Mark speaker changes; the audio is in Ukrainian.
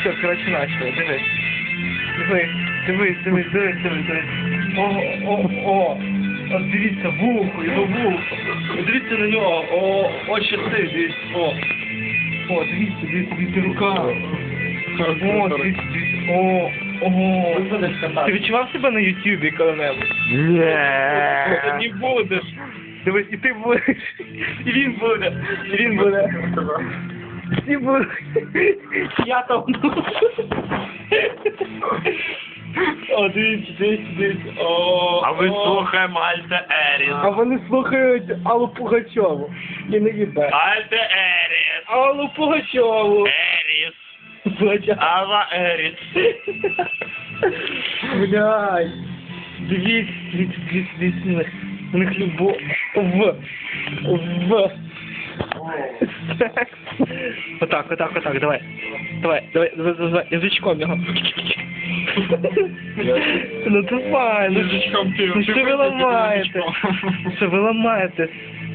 Speaker 1: все, коротше, начали, дивись. Дивись. О. От дивіться, вухо, його вухо. Дивіться на нього, очі ти, дивіться, О, дивіться, рука. О, дивіться, ого. Ти відчував себе на Ютубі коли-небудь?
Speaker 2: Ні.
Speaker 1: Ти не будеш. Дивись, і ти будеш. І він буде. Всі будуть. Я там. О, дивіться.
Speaker 2: А ви слухаємо Альте Еріс.
Speaker 1: А вони слухають Аллу Пугачову. І не їбе.
Speaker 2: Альте Еріс.
Speaker 1: Аллу Пугачову.
Speaker 2: Еріс. Алла Еріс.
Speaker 1: Блядь. Дивіться. У них любов. Отак, давай. Давай, язичком його. Ну давай,
Speaker 2: Язичком ти.
Speaker 1: що ви ламаєте? Що ви ламаєте?